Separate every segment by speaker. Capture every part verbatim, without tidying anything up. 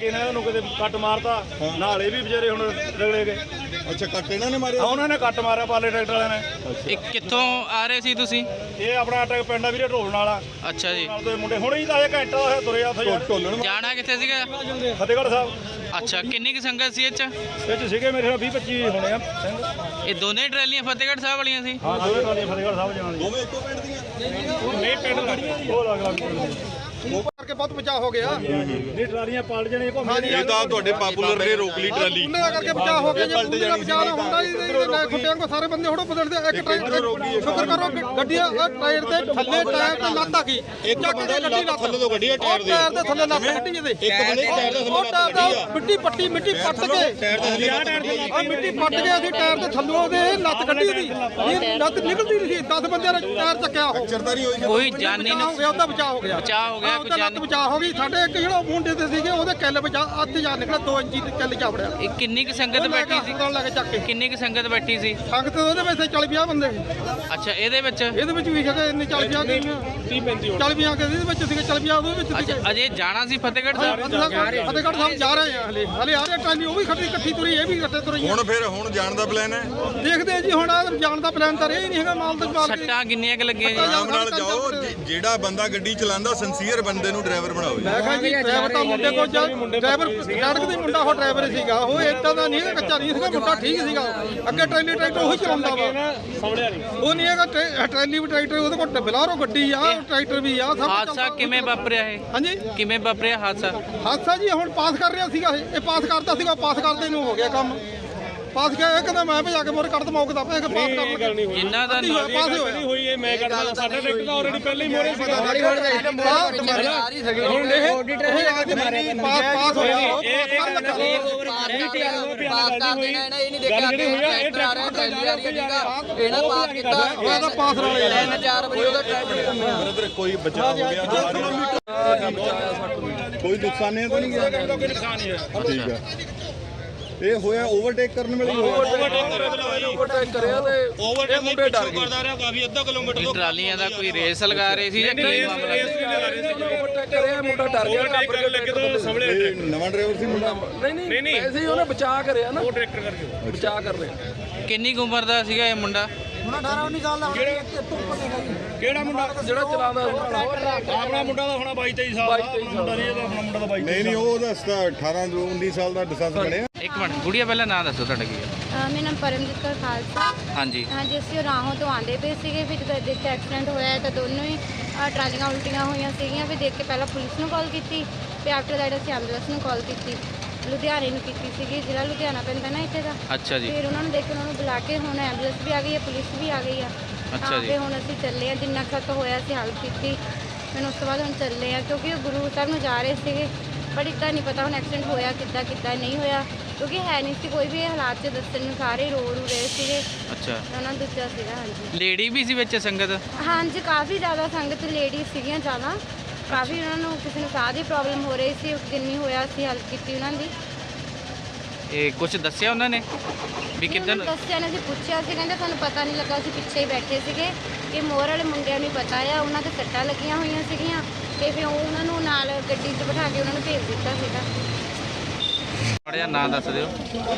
Speaker 1: ਕੇ ਇਹਨਾਂ ਨੂੰ ਕਿਤੇ ਕੱਟ ਮਾਰਤਾ, ਨਾਲੇ ਵੀ ਵਿਚਾਰੇ ਹੁਣ ਰਗੜੇ ਗਏ।
Speaker 2: ਅੱਛਾ, ਕੱਟ ਇਹਨਾਂ ਨੇ ਮਾਰਿਆ?
Speaker 1: ਉਹਨਾਂ ਨੇ ਕੱਟ ਮਾਰਿਆ ਪਾਲੇ ਟਰੈਕਟਰ ਵਾਲਿਆਂ ਨੇ।
Speaker 3: ਇਹ ਕਿੱਥੋਂ ਆ ਰਹੇ ਸੀ ਤੁਸੀਂ?
Speaker 1: ਇਹ ਆਪਣਾ ਟਰੈਕ ਪਿੰਡ ਆ ਵੀਰੇ ਢੋਲਣ ਵਾਲਾ।
Speaker 3: ਅੱਛਾ ਜੀ।
Speaker 1: ਨਾਲ ਦੇ ਮੁੰਡੇ ਹੁਣੇ ਹੀ ਤਾਂ ਇਹ ਘੰਟਾ ਹੋਇਆ ਤੁਰੇ ਆ ਉੱਥੇ ਯਾਰ।
Speaker 2: ਢੋਲਣ
Speaker 3: ਜਾਣਾ ਕਿੱਥੇ ਸੀਗਾ?
Speaker 1: ਫਤਿਹਗੜ੍ਹ ਸਾਹਿਬ।
Speaker 3: ਅੱਛਾ, ਕਿੰਨੀ ਕੁ ਸੰਗਤ ਸੀ ਇਹ 'ਚ?
Speaker 1: ਇਹ 'ਚ ਸੀਗੇ ਮੇਰੇ ਨਾਲ ਵੀਹ ਪੱਚੀ ਹੋਣੇ ਆ ਸਿੰਘ।
Speaker 3: ਇਹ ਦੋਨੇ ਟਰਾਲੀਆਂ ਫਤਿਹਗੜ੍ਹ ਸਾਹਿਬ ਵਾਲੀਆਂ ਸੀ?
Speaker 1: ਹਾਂ, ਦੋਵੇਂ ਟਰਾਲੀਆਂ ਫਤਿਹਗੜ੍ਹ ਸਾਹਿਬ ਜਾਣ ਦੀਆਂ।
Speaker 2: ਦੋਵੇਂ ਇੱਕੋ ਪਿੰਡ ਦੀਆਂ?
Speaker 1: ਨਹੀਂ, ਪਿੰਡ ਲੜੀਆਂ ਜੀ, ਉਹ ਅਲੱਗ ਅਲੱਗ
Speaker 4: ਉਹ ਕਰਕੇ ਬਹੁਤ ਬਚਾਅ ਹੋ ਗਿਆ।
Speaker 1: ਨਹੀਂ, ਟਰਾਲੀਆਂ ਪਲਟ ਜਾਣੀਆਂ ਘੁੰਮ
Speaker 2: ਇਹ ਤਾਂ ਤੁਹਾਡੇ ਪਾਪੂਲਰ ਨੇ ਰੋਕ ਲਈ ਟਰਾਲੀ।
Speaker 4: ਉਹਨਾਂ ਕਰਕੇ ਬਚਾਅ ਹੋ ਗਿਆ। ਜੇ ਪਲਟ ਜਾਣੀ ਬਚਾਅ ਹੁੰਦਾ ਹੀ ਖੁੱਟਿਆਂ ਕੋ ਸਾਰੇ ਬੰਦੇ ਥੋੜਾ ਬਦਲਦੇ। ਇੱਕ ਟਾਇਰ ਸ਼ੁਕਰ ਕਰੋ ਗੱਡੀਆਂ ਟਾਇਰ ਦੇ ਥੱਲੇ ਟਾਇਰ ਤੇ ਲੱਤ ਆ ਗਈ।
Speaker 2: ਇੱਕ ਬੰਦਾ ਲੱਤ ਥੱਲੇ ਤੋਂ ਗੱਡੀ ਟਾਇਰ ਦੇ
Speaker 4: ਟਾਇਰ ਦੇ ਥੱਲੇ ਲੱਤ ਕੱਢੀ ਇਹਦੇ।
Speaker 2: ਇੱਕ ਬੰਦੇ ਟਾਇਰ ਦੇ
Speaker 4: ਉਹ ਟਾਇਰ ਦਾ ਮਿੱਟੀ ਪੱਟੀ ਮਿੱਟੀ ਪੱਟ ਕੇ
Speaker 2: ਟਾਇਰ ਦੇ ਥੱਲੇ
Speaker 4: ਆ ਮਿੱਟੀ ਪੱਟ ਕੇ ਅਸੀਂ ਟਾਇਰ ਦੇ ਥੱਲੋਂ ਉਹਦੇ ਲੱਤ ਕੱਢੀ ਉਹਦੀ। ਇਹ ਲੱਤ ਨਿਕਲਦੀ ਨਹੀਂ ਸੀ। ਦਸ ਬੰਦਿਆਂ ਨੇ ਟਾਇਰ ਚੱਕਿਆ ਉਹ।
Speaker 2: ਚਰਤਾ ਨਹੀਂ ਹੋਈ?
Speaker 3: ਕੋਈ ਜਾਨੀ
Speaker 4: ਹੋ ਗਿਆ, ਉਹਦਾ ਬਚਾਅ ਹੋ ਗਿਆ।
Speaker 3: ਬਚਾਅ ਹੋ ਗਿਆ, ਕੋਈ
Speaker 4: ਉਹਦਾ ਲੱਤ
Speaker 3: ਜਾਨੀ
Speaker 4: ਬਚਾਅ ਹੋ ਗਈ। ਸਾਡੇ ਇੱਕ ਜਿਹੜਾ ਮੁੰਡੇ ਤੇ ਸੀਗੇ ਉਹਦੇ ਕਿੱਲ ਬਚਾ ਅੱਧ ਜਾ ਨਿਕਲਿਆ, ਦੋ ਇੰਚੀ ਕਿੱਲ ਜਾ ਵੜਿਆ।
Speaker 3: ਇਹ ਕਿੰਨੀ ਕੁ ਸੰਗਤ ਬੈਠੀ ਸੀ?
Speaker 4: ਕੋਲ ਲੈ ਕੇ ਚੱਕ ਕੇ
Speaker 3: ਕਿੰਨੀ ਕੁ ਸੰਗਤ ਬੈਠੀ ਸੀ?
Speaker 4: ਸੰਗਤ ਉਹਦੇ ਵਿੱਚ ਚਾਲੀ ਪੰਜਾਹ ਬੰਦੇ।
Speaker 3: ਅੱਛਾ, ਇਹਦੇ ਵਿੱਚ?
Speaker 4: ਇਹਦੇ ਵਿੱਚ ਵੀ ਹੈਗੇ ਇੰਨੇ ਚਾਲੀ ਪੰਜਾਹ ਗਈਆਂ। ਤੀਹ ਪੈਂਤੀ ਚਾਲੀ ਪੰਜਾਹ ਕੇ ਇਹਦੇ ਵਿੱਚ ਸੀਗੇ, ਚਾਲੀ ਪੰਜਾਹ ਉਹਦੇ ਵਿੱਚ ਸੀਗੇ।
Speaker 3: ਅੱਛਾ, ਅਜੇ ਜਾਣਾ ਸੀ ਫਤਿਹਗੜ੍ਹ ਸਾਹਿਬ?
Speaker 4: ਫਤਿਹਗੜ੍ਹ ਸਾਹਿਬ ਜਾ ਰਹੇ ਆ ਹਲੇ ਹਲੇ ਆ ਰਹੇ ਟਰਾਲੀ ਉਹ ਵੀ ਖੱਟੀ ਇਕੱਠੀ ਤੁਰੀ, ਇਹ ਵੀ ਇਕੱਠੇ ਤੁਰੀ।
Speaker 2: ਹੁਣ ਫਿਰ ਹੁਣ ਜਾਣ ਦਾ ਪਲਾਨ ਹੈ?
Speaker 4: ਦੇਖਦੇ ਆ ਜੀ, ਹੁਣ ਆਹ ਜਾਣ ਦਾ ਪਲਾਨ ਤਾਂ ਇਹ ਨਹੀਂ ਹੈਗਾ। ਮਾਲ ਤੇ ਮਾਲ
Speaker 3: ਸੱਟਾਂ ਕਿੰਨੀਆਂ ਕੁ ਲੱਗੀਆਂ ਜੀ?
Speaker 2: ਆਰਾਮ ਨਾਲ ਜਾਓ। ਜਿਹੜਾ ਬੰਦਾ ਗੱਡੀ ਚਲਾਉਂਦਾ ਸਿੰਸੀਅਰ ਬੰਦੇ ਨੂੰ ਡਰਾਈਵਰ ਬਣਾਓ।
Speaker 4: ਮੈਂ ਕਿਹਾ ਜੀ ਡਰਾਈਵਰ ਤਾਂ ਮੁੰਡੇ ਕੋਲ ਡਰਾਈਵਰ ਸੜਕ ਦੇ ਮੁੰਡਾ ਉਹ ਡਰਾਈਵਰ ਸੀਗਾ। ਉਹ ਏਦਾਂ ਦਾ ਨਹੀਂ ਹੈਗਾ, ਕੱਚਾ ਨਹੀਂ ਸੀਗਾ ਮੁੰਡਾ, ਠੀਕ ਸੀਗਾ। ਅੱਗੇ ਟਰੈਲੀ ਟਰੈਕਟਰ ਉਹੀ ਚਲਾਉਂਦਾ ਵਾ, ਉਹ ਨਹੀਂ ਹੈਗਾ। ਟਰੈਲੀ ਵੀ ਟਰੈਕਟਰ ਉਹਦੇ ਕੋਲ ਬਲਾਰੋ ਗੱਡੀ ਆ, ਟਰੈਕਟਰ ਵੀ ਆ। ਸਭ
Speaker 3: ਹਾਦਸਾ ਕਿਵੇਂ ਵਾਪਰਿਆ ਇਹ?
Speaker 4: ਹਾਂਜੀ,
Speaker 3: ਕਿਵੇਂ ਵਾਪਰਿਆ ਹਾਦਸਾ?
Speaker 4: ਹਾਦਸਾ ਜੀ ਹੁਣ ਪਾਸ ਕਰ ਰਿਹਾ ਸੀਗਾ। ਇਹ ਇਹ ਪਾਸ ਕਰਦਾ ਸੀਗਾ, ਪਾਸ ਕਰਦੇ ਨੂੰ ਹੋ ਗਿਆ ਕੰਮ। ਪਾਸ ਗਿਆ, ਇਹ ਕਹਿੰਦਾ ਮੈਂ ਭਜਾ ਕੇ ਮੋਰੇ ਕੱਢ ਦਮਾ ਉਹਦਾ ਪਾਸ ਕਰਨ ਲੱਗੇ।
Speaker 3: ਜਿੰਨਾ ਦਾ
Speaker 4: ਪਾਸ ਹੋਇਆ
Speaker 1: ਹੋਈ ਇਹ ਮੈਂ ਕਰਦਾ। ਸਾਡਾ ਟਰੈਕਟਰ ਤਾਂ ਆਲਰੇਡੀ ਪਹਿਲੇ ਹੀ ਮੋਰੇ ਸੀਗਾ।
Speaker 4: ਹੁਣ ਇਹ ਉਹ ਆ ਕੇ ਮਾਰਿਆ ਪਾਸ ਪਾਸ ਹੋਇਆ ਉਹ ਪਾਸ ਕਰਨ ਲੱਗਾ।
Speaker 5: ਪਾਸ ਕਰ ਦੇਣਾ ਇਹਨਾਂ ਇਹ ਨਹੀਂ ਦੇਖਿਆ ਕਿ ਟਰੈਕਟਰ ਆ ਰਿਹਾ ਟਰੈਲੀ ਆ ਰਹੀ ਹੈ। ਇਹਨਾਂ ਪਾਸ ਕੀਤਾ
Speaker 4: ਉਹਦਾ ਪਾਸ ਵਾਲੇ
Speaker 5: ਤਿੰਨ ਚਾਰ ਵਜੇ ਉਹਦਾ ਟਰੈਕਟਰ
Speaker 2: ਬ੍ਰਦਰ ਕੋਈ ਬਚਾਅ ਹੋ ਗਿਆ? ਕੋਈ ਨੁਕਸਾਨ ਨਹੀਂ ਤਾਂ ਨਹੀਂ ਗਿਆ?
Speaker 1: ਕੋਈ ਨੁਕਸਾਨ ਨਹੀਂ ਹੈ।
Speaker 2: ਠੀਕ ਹੈ। ਇਹ ਹੋਇਆ ਓਵਰਟੇਕ ਕਰਨ ਵੇਲੇ ਹੀ ਹੋਇਆ?
Speaker 5: ਓਵਰਟੇਕ ਕਰਿਆ ਤੇ
Speaker 1: ਓਵਰਟੇਕ ਮੁੰਡੇ ਡਰ ਗਏ। ਕਰਦਾ ਰਿਹਾ ਕਾਫੀ ਅੱਧਾ ਕਿਲੋਮੀਟਰ
Speaker 3: ਇਹ ਟਰਾਲੀਆਂ ਦਾ ਕੋਈ ਰੇਸ ਲਗਾ ਰਹੇ ਸੀ ਜਾਂ ਕੀ ਮਾਮਲਾ?
Speaker 5: ਓਵਰਟੇਕ ਕਰਿਆ, ਮੁੰਡਾ ਡਰ ਗਿਆ।
Speaker 1: ਕਰਨ ਲੱਗੇ ਤਾਂ ਸੰਭਲੇ
Speaker 2: ਇਹ ਨਵਾਂ ਡਰਾਈਵਰ ਸੀ ਮੁੰਡਾ?
Speaker 5: ਨਹੀਂ ਨਹੀਂ ਐਸੇ ਹੀ ਉਹਨੇ ਬਚਾਅ ਕਰਿਆ ਨਾ।
Speaker 1: ਉਹ ਟਰੈਕਟਰ ਕਰਕੇ
Speaker 5: ਬਚਾਅ ਕਰ ਰਿਹਾ।
Speaker 3: ਕਿੰਨੀ ਕੁ ਉਮਰ ਦਾ ਸੀਗਾ ਇਹ ਮੁੰਡਾ?
Speaker 1: ਕਿਹੜਾ ਮੁੰਡਾ
Speaker 5: ਜਿਹੜਾ ਚਲਾਉਂਦਾ
Speaker 1: ਆਪਣਾ ਮੁੰਡਾ ਦਾ ਹੋਣਾ ਬਾਈ ਤੇਈ ਸਾਲ ਦਾ। ਆਪਣਾ ਮੁੰਡਾ ਨਹੀਂ, ਇਹਦਾ ਆਪਣਾ ਮੁੰਡਾ ਦਾ ਬਾਈ
Speaker 2: ਨਹੀਂ ਨਹੀਂ, ਉਹ ਦੱਸਦਾ ਅਠਾਰਾਂ ਉੱਨੀ ਸਾਲ ਦਾ ਲਾਇਸੈਂਸ ਬਣਿਆ।
Speaker 3: ਇੱਕ ਮਿੰਟ ਗੁੜੀਆ, ਪਹਿਲਾਂ ਨਾਂ ਦੱਸੋ ਤੁਹਾਡਾ ਕੀ ਹੈ?
Speaker 6: ਮੇਰਾ ਨਾਮ ਪਰਮਜੀਤ ਕੌਰ ਖਾਲਸਾ।
Speaker 3: ਹਾਂਜੀ
Speaker 6: ਹਾਂਜੀ, ਅਸੀਂ ਉਹ ਰਾਹੋਂ ਤੋਂ ਆਉਂਦੇ ਪਏ ਸੀਗੇ। ਫਿਰ ਜਦੋਂ ਦੇਖ ਕੇ ਐਕਸੀਡੈਂਟ ਹੋਇਆ ਤਾਂ ਦੋਨੋਂ ਹੀ ਅ, ਟਰਾਲੀਆਂ ਉਲਟੀਆਂ ਹੋਈਆਂ ਸੀਗੀਆਂ। ਫਿਰ ਦੇਖ ਕੇ ਪਹਿਲਾਂ ਪੁਲਿਸ ਨੂੰ ਕਾਲ ਕੀਤੀ, ਫਿਰ ਆਫਟਰ ਦੈਟ ਅਸੀਂ ਐਂਬੂਲੈਂਸ ਨੂੰ ਕਾਲ ਕੀਤੀ, ਲੁਧਿਆਣੇ ਨੂੰ ਕੀਤੀ ਸੀਗੀ। ਜ਼ਿਲ੍ਹਾ ਲੁਧਿਆਣਾ ਪੈਂਦਾ ਨਾ ਇੱਥੇ ਦਾ।
Speaker 3: ਅੱਛਾ ਜੀ।
Speaker 6: ਫਿਰ ਉਹਨਾਂ ਨੂੰ ਦੇਖ ਕੇ ਉਹਨਾਂ ਨੂੰ ਬੁਲਾ ਕੇ ਹੁਣ ਐਂਬੂਲੈਂਸ ਵੀ ਆ ਗਈ ਹੈ, ਪੁਲਿਸ ਵੀ ਆ ਗਈ ਆ।
Speaker 3: ਅੱਛਾ ਜੀ।
Speaker 6: ਫਿਰ ਹੁਣ ਅਸੀਂ ਚੱਲੇ ਆ, ਜਿੰਨਾ ਖਤ ਹੋਇਆ ਅਸੀਂ ਹੈਲਪ ਕੀਤੀ। ਫਿਰ ਉਸ ਤੋਂ ਬਾਅਦ ਹੁਣ ਚੱਲੇ ਆ, ਕਿਉਂਕਿ ਉਹ ਗੁਰੂ ਸਾਹਿਬ ਨੂੰ ਜਾ ਰਹੇ ਸੀਗੇ। ਪਰ ਇੱਦਾਂ ਨਹੀਂ ਪਤਾ ਹੁਣ ਐਕਸੀਡੈਂਟ ਹੋਇਆ ਕਿੱਦਾਂ ਕਿੱਦਾਂ ਨਹੀਂ ਹੋਇਆ, ਕਿਉਂਕਿ ਹੈ ਨਹੀਂ ਸੀ ਕੋਈ ਵੀ ਇਹ ਹਾਲਾਤ 'ਚ ਦੱਸਣ ਨੂੰ। ਸਾਰੇ ਰੋ ਰੂ ਰਹੇ ਸੀਗੇ।
Speaker 3: ਅੱਛਾ,
Speaker 6: ਉਹਨਾਂ ਨੂੰ ਦੱਸਿਆ ਸੀਗਾ। ਹਾਂਜੀ
Speaker 3: ਲੇਡੀ ਵੀ ਸੀ ਵਿੱਚ ਸੰਗਤ?
Speaker 6: ਹਾਂਜੀ, ਕਾਫੀ ਜ਼ਿਆਦਾ ਸੰਗਤ ਲੇਡੀਜ਼ ਸੀਗੀਆਂ ਜ਼ਿਆਦਾ। ਕਾਫੀ ਉਹਨਾਂ ਨੂੰ ਕਿਸੇ ਨੂੰ ਸਾਹ ਦੀ ਪ੍ਰੋਬਲਮ ਹੋ ਰਹੀ ਸੀ। ਉਸ ਦਿਨ ਨਹੀਂ ਹੋਇਆ, ਅਸੀਂ ਹੈਲਪ ਕੀਤੀ ਉਹਨਾਂ ਦੀ।
Speaker 3: ਇਹ ਕੁਝ ਦੱਸਿਆ ਉਹਨਾਂ ਨੇ ਵੀ ਕਿੱਦਾਂ?
Speaker 6: ਨਹੀਂ, ਦੱਸਿਆ ਨਹੀਂ, ਅਸੀਂ ਪੁੱਛਿਆ ਸੀ, ਕਹਿੰਦੇ ਸਾਨੂੰ ਪਤਾ ਨਹੀਂ ਲੱਗਾ, ਅਸੀਂ ਪਿੱਛੇ ਹੀ ਬੈਠੇ ਸੀਗੇ। ਕਿ ਮੋਰ ਵਾਲੇ ਮੁੰਡਿਆਂ ਨੂੰ ਪਤਾ ਆ, ਉਹਨਾਂ ਦੇ ਸੱਟਾਂ ਲੱਗੀਆਂ ਹੋਈਆਂ ਸੀਗੀਆਂ। ਤੇ ਫਿਰ ਉਹ ਉਹਨਾਂ ਨੂੰ ਨਾਲ ਗੱਡੀ 'ਚ ਬਿਠਾ ਕੇ ਉਹਨਾਂ ਨੂੰ ਭੇਜ ਦਿੱਤਾ ਸੀਗਾ।
Speaker 3: ਮਾੜਾ ਜਿਹਾ ਨਾਂ ਦੱਸ ਦਿਓ।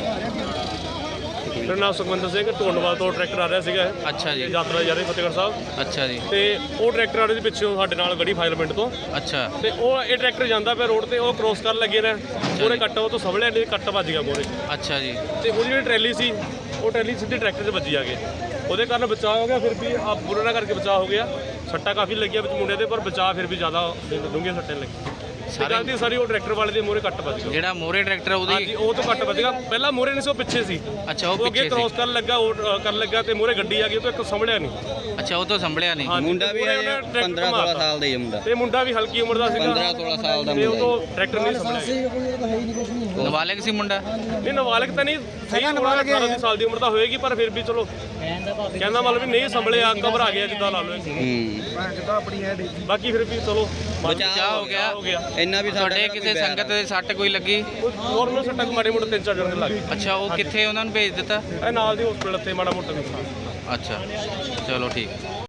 Speaker 1: ਮੇਰਾ ਨਾਮ ਸੁਖਵਿੰਦਰ ਸਿੰਘ, ਢੋਲਵਾਲ ਤੋਂ ਟਰੈਕਟਰ ਆ ਰਿਹਾ ਸੀਗਾ।
Speaker 3: ਅੱਛਾ ਜੀ।
Speaker 1: ਯਾਤਰਾ ਜਾ ਰਹੀ ਫਤਿਹਗੜ੍ਹ ਸਾਹਿਬ।
Speaker 3: ਅੱਛਾ ਜੀ।
Speaker 1: ਤੇ ਉਹ ਟਰੈਕਟਰ ਆ ਰਿਹਾ ਸੀ ਪਿੱਛੋਂ ਸਾਡੇ ਨਾਲ ਗੜੀ ਫਾਇਰ ਪਿੰਡ ਤੋਂ।
Speaker 3: ਅੱਛਾ।
Speaker 1: ਤੇ ਉਹ ਇਹ ਟਰੈਕਟਰ ਜਾਂਦਾ ਪਿਆ ਰੋਡ ਤੇ, ਉਹ ਕ੍ਰੋਸ ਕਰਨ ਲੱਗੇ ਨੇ। ਉਹਨੇ ਕੱਟ ਉਹ ਤੋਂ ਸੰਭਲਿਆ ਨਹੀਂ, ਕੱਟ ਵੱਜ ਗਿਆ ਮੋਰੇ।
Speaker 3: ਅੱਛਾ ਜੀ।
Speaker 1: ਤੇ ਉਹਦੀ ਜਿਹੜੀ ਟਰੈਲੀ ਸੀ, ਉਹ ਟਰੈਲੀ ਸਿੱਧੀ ਟਰੈਕਟਰ 'ਤੇ ਵੱਜੀ ਆ ਕੇ। ਉਹਦੇ ਕਾਰਨ ਬਚਾਅ ਹੋ ਗਿਆ। ਫਿਰ ਵੀ ਆ ਬੁਰਾ ਕਰਕੇ ਬਚਾਅ ਹੋ ਗਿਆ। ਸੱਟਾਂ ਕਾਫੀ ਲੱਗੀਆਂ ਵਿੱਚ ਮੁੰਡੇ ਦੇ, ਪਰ ਬਚਾਅ ਫਿਰ ਵੀ ਜ਼ਿਆਦਾ ਡੂੰਘੀਆਂ ਸੱਟਾਂ ਲੱਗੀਆਂ। ਸਾਰੀ ਦੀ ਸਾਰੀ ਉਹ ਟਰੈਕਟਰ ਵਾਲੇ ਦੇ ਮੋਰੇ ਕੱਟ ਵੱਜ ਗਿਆ।
Speaker 3: ਜਿਹੜਾ ਮੋਰੇ ਟਰੈਕਟਰ ਉਹਦੀ?
Speaker 1: ਹਾਂਜੀ, ਉਹ ਤੋਂ ਕੱਟ ਵੱਜ ਗਿਆ। ਪਹਿਲਾਂ ਮੋਰੇ ਨਹੀਂ ਸੀ, ਉਹ ਪਿੱਛੇ ਸੀ।
Speaker 3: ਅੱਛਾ, ਉਹ
Speaker 1: ਉਹ ਅੱਗੇ
Speaker 3: ਪਿੱਛੇ
Speaker 1: ਕ੍ਰੋਸ
Speaker 3: ਸੀ।
Speaker 1: ਕਰਨ ਲੱਗਾ, ਉਹ ਕਰਨ ਲੱਗਾ ਤੇ ਮੋਰੇ ਗੱਡੀ ਆ ਗਈ, ਉਹ ਤੋਂ ਇੱਕ ਸੰਭਲਿਆ ਨਹੀਂ।
Speaker 3: ਅੱਛਾ, ਉਹ ਤੋਂ ਸੰਭਲਿਆ ਨਹੀਂ।
Speaker 1: ਮੁੰਡਾ ਵੀ ਪੰਦਰਾਂ ਸੋਲਾਂ ਸਾਲ ਦਾ ਹੀ ਮੁੰਡਾ, ਤੇ ਮੁੰਡਾ ਵੀ ਹਲਕੀ ਉਮਰ ਦਾ ਸੀਗਾ।
Speaker 5: ਪੰਦਰਾਂ ਸੋਲਾਂ ਸਾਲ ਦਾ
Speaker 1: ਤੇ ਉਹ ਤੋਂ ਟਰੈਕਟਰ ਨਹੀਂ ਸੰਭਲਿਆ।
Speaker 3: ਨਾਬਾਲਗ ਸੀ ਮੁੰਡਾ?
Speaker 1: ਨਹੀਂ, ਨਾਬਾਲਗ ਤਾਂ ਨਹੀਂ, ਸਹੀ ਉਮਰ ਅਠਾਰਾਂ ਸਾਲ ਦੀ ਉਮਰ ਤਾਂ ਹੋਏਗੀ, ਪਰ ਫਿਰ ਵੀ ਚਲੋ ਕਹਿੰਦਾ ਮਤਲਬ ਵੀ ਨਹੀਂ ਸੰਭਲਿਆ, ਘਬਰਾ ਗਿਆ ਜਿੱਦਾਂ ਲਾ ਲਓ। ਬਾਕੀ ਫਿਰ ਵੀ ਚਲੋ
Speaker 3: ਬਚਾਅ ਹੋ ਗਿਆ।
Speaker 1: ਹੋ ਗਿਆ।
Speaker 5: ਇੰਨਾ ਵੀ
Speaker 3: ਤੁਹਾਡੇ ਕਿਸੇ ਸੰਗਤ ਦੇ ਸੱਟ ਕੋਈ ਲੱਗੀ?
Speaker 1: ਨੋਰਮਲ ਸੱਟਾਂ ਮਾੜੇ ਮੋਟੇ ਤਿੰਨ ਚਾਰ ਜਣ ਦੇ ਲੱਗ ਗਏ।
Speaker 3: ਅੱਛਾ, ਉਹ ਕਿੱਥੇ ਉਹਨਾਂ ਨੂੰ ਭੇਜ ਦਿੱਤਾ?
Speaker 1: ਇਹ ਨਾਲ ਦੀ ਹਸਪੀਟਲ ਤੇ ਮਾੜਾ ਮੋਟਾ ਨੁਕਸਾਨ।
Speaker 3: ਅੱਛਾ, ਚਲੋ ਠੀਕ।